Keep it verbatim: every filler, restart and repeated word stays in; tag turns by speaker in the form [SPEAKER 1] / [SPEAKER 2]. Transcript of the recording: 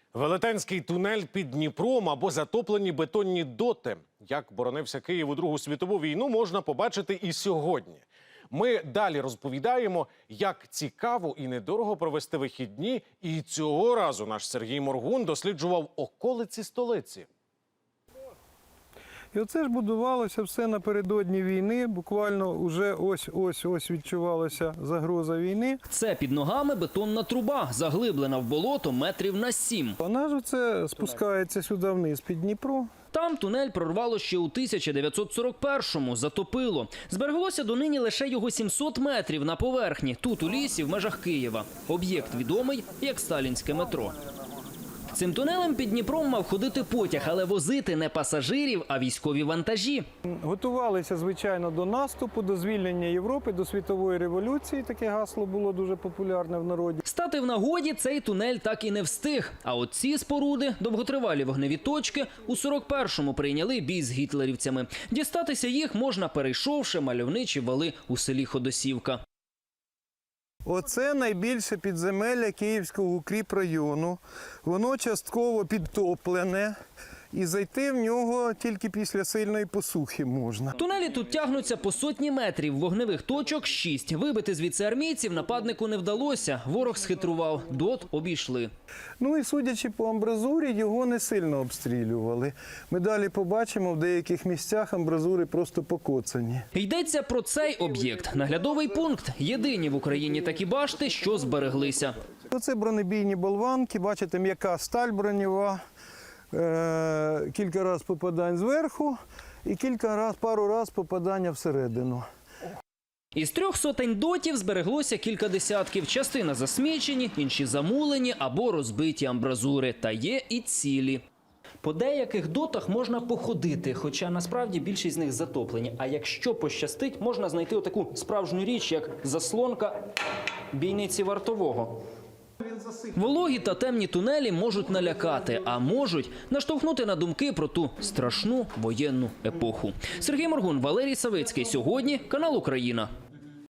[SPEAKER 1] Велетенський тунель під Дніпром або затоплені бетонні доти. Як боронився Київ у Другу світову війну, можна побачити і сьогодні. Ми далі розповідаємо, як цікаво і недорого провести вихідні. І цього разу наш Сергій Моргун досліджував околиці столиці.
[SPEAKER 2] І оце ж будувалося все напередодні війни, буквально вже ось-ось-ось відчувалася загроза війни.
[SPEAKER 3] Це під ногами бетонна труба, заглиблена в болото метрів на сім.
[SPEAKER 2] Вона ж оце спускається сюди вниз під Дніпро.
[SPEAKER 3] Там тунель прорвало ще у тисяча дев'ятсот сорок першому, затопило. Збереглося донині лише його сімсот метрів на поверхні, тут у лісі, в межах Києва. Об'єкт відомий як сталінське метро. Цим тунелем під Дніпром мав ходити потяг, але возити не пасажирів, а військові вантажі.
[SPEAKER 2] Готувалися, звичайно, до наступу, до звільнення Європи, до світової революції. Таке гасло було дуже популярне в народі.
[SPEAKER 3] Стати в нагоді цей тунель так і не встиг. А от ці споруди, довготривалі вогневі точки, у сорок першому прийняли бій з гітлерівцями. Дістатися їх можна, перейшовши мальовничі вали у селі Ходосівка.
[SPEAKER 2] Оце найбільше підземелля Київського укріпрайону. Воно частково підтоплене. І зайти в нього тільки після сильної посухи можна.
[SPEAKER 3] Тунелі тут тягнуться по сотні метрів, вогневих точок – шість. Вибити звідси армійців нападнику не вдалося. Ворог схитрував, дот обійшли.
[SPEAKER 2] Ну і судячи по амбразурі, його не сильно обстрілювали. Ми далі побачимо, в деяких місцях амбразури просто покоцані.
[SPEAKER 3] Йдеться про цей об'єкт. Наглядовий пункт. Єдині в Україні такі башти, що збереглися.
[SPEAKER 2] Оце бронебійні болванки, бачите, м'яка сталь бронєва. Кілька разів попадань зверху і кілька раз, пару разів попадання всередину.
[SPEAKER 3] Із трьох сотень дотів збереглося кілька десятків. Частина засмічені, інші замулені або розбиті амбразури. Та є і цілі. По деяких дотах можна походити, хоча насправді більшість з них затоплені. А якщо пощастить, можна знайти отаку справжню річ, як заслонка бійниці вартового. Вологі та темні тунелі можуть налякати, а можуть наштовхнути на думки про ту страшну воєнну епоху. Сергій Моргун, Валерій Савицький. Сьогодні канал Україна.